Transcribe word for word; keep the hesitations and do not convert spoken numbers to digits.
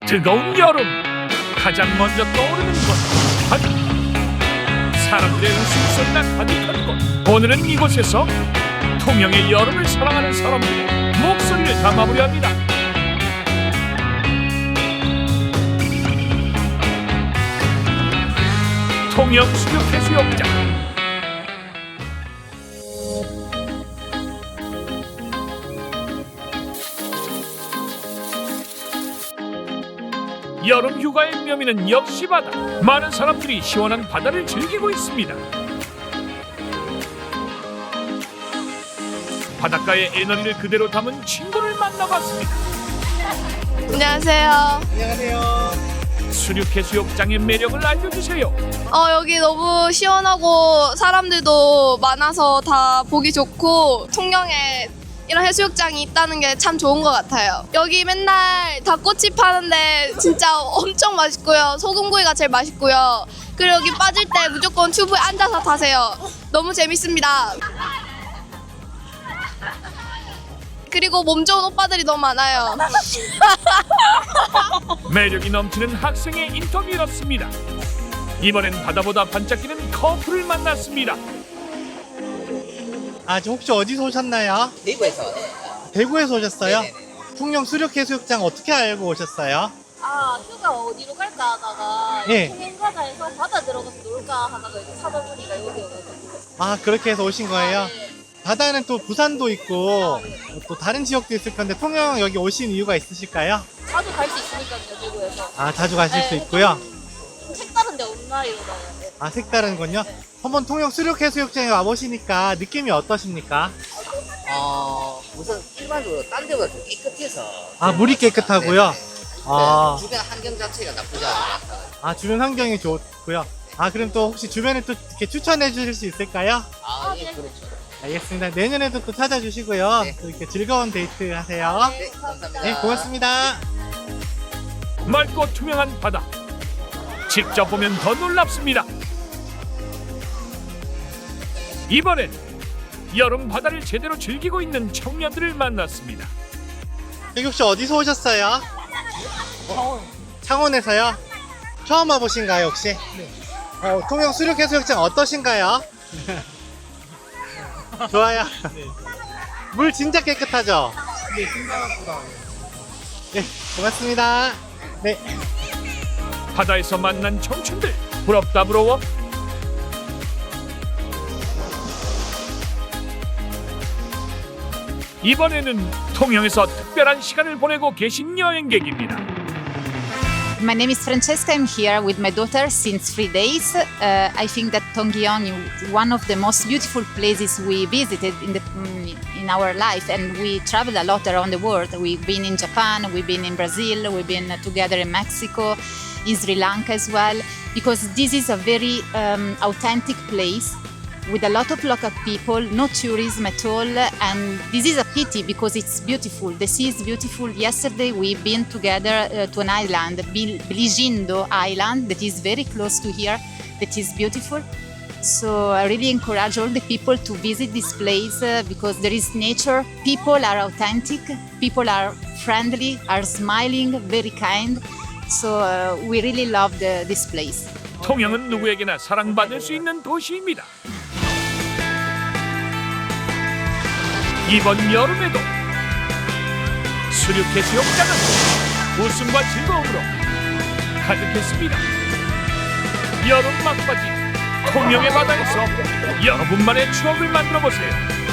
뜨거운 여름, 가장 먼저 떠오르는 곳 바다. 사람들의 웃음소리가 가득한 곳. 오늘은 이곳에서 통영의 여름을 사랑하는 사람들의 목소리를 담아보려 합니다. 통영 수륙해수욕장. 여름 휴가의 묘미는 역시 바다. 많은 사람들이 시원한 바다를 즐기고 있습니다. 바닷가의 에너지를 그대로 담은 친구를 만나봤습니다. 안녕하세요. 안녕하세요. 수륙해수욕장의 매력을 알려주세요. 어, 여기 너무 시원하고 사람들도 많아서 다 보기 좋고 통영에 이런 해수욕장이 있다는 게 참 좋은 것 같아요. 여기 맨날 닭꼬치 파는데 진짜 엄청 맛있고요. 소금구이가 제일 맛있고요. 그리고 여기 빠질 때 무조건 튜브에 앉아서 타세요. 너무 재밌습니다. 그리고 몸 좋은 오빠들이 너무 많아요. 매력이 넘치는 학생의 인터뷰였습니다. 이번엔 바다보다 반짝이는 커플을 만났습니다. 아, 저 혹시 어디서 오셨나요? 대구에서. 대구에서 오셨어요? 네네네. 통영 수륙해수욕장 어떻게 알고 오셨어요? 아 휴가 어디로 갈까 하다가 예. 통영 가자 해서 바다 들어가서 놀까 하다가 이제 찾아보니까 여기여가지고. 아, 그렇게 해서 오신 거예요? 아, 네. 바다는 또 부산도 있고 또 다른 지역도 있을 건데 통영 여기 오신 이유가 있으실까요? 자주 갈 수 있으니까요 대구에서. 아, 자주 가실 수 네, 있고요. 좀 색다른데 없나 이러다가. 네. 아, 색다른군요. 한번 통영 수륙해수욕장에 와보시니까 느낌이 어떠십니까? 어, 우선 일반적으로 딴 데보다 좀 깨끗해서. 아, 물이 깨끗하고요. 네네. 아. 네, 주변 환경 자체가 나쁘지 않은 것 같아요. 아, 주변 환경이 좋고요. 아, 그럼 또 혹시 주변에 또 이렇게 추천해 주실 수 있을까요? 아, 아, 예, 네. 그렇죠. 알겠습니다. 내년에도 또 찾아주시고요. 네. 또 이렇게 즐거운 데이트 하세요. 네, 감사합니다. 네, 고맙습니다. 맑고 투명한 바다. 직접 보면 더 놀랍습니다. 이번엔 여름 바다를 제대로 즐기고 있는 청년들을 만났습니다. 여기 혹시 어디서 오셨어요? 창원. 창원에서요? 처음 와보신가요, 혹시? 네. 어, 통영 수륙해수욕장 어떠신가요? 좋아요. 물 진짜 깨끗하죠? 네, 생각보다. 네, 고맙습니다. 네. 바다에서 만난 청춘들 부럽다 부러워. 이번에는 통영에서 특별한 시간을 보내고 계신 여행객입니다. My name is Francesca. I'm here with my daughter since three days. Uh, I think that Tongyong is one of the most beautiful places we visited in the in our life, and we traveled a lot around the world. We've been in Japan, we've been in Brazil, we've been together in Mexico, in Sri Lanka as well, because this is a very um, authentic place with a lot of local people, no tourism at all, and this is a pity because it's beautiful. The sea is beautiful. Yesterday we've been together uh, to an island, Bil- Biligindo Island, that is very close to here, that is beautiful. So I really encourage all the people to visit this place uh, because there is nature, people are authentic, people are friendly, are smiling, very kind. So uh, we really love the, this place. 통영은 누구에게나 사랑받을 수 있는 도시입니다. 이번 여름에도 수륙해수욕장은 웃음과 즐거움으로 가득했습니다. 여름 막바지 통영의 바다에서 여러분만의 추억을 만들어 보세요.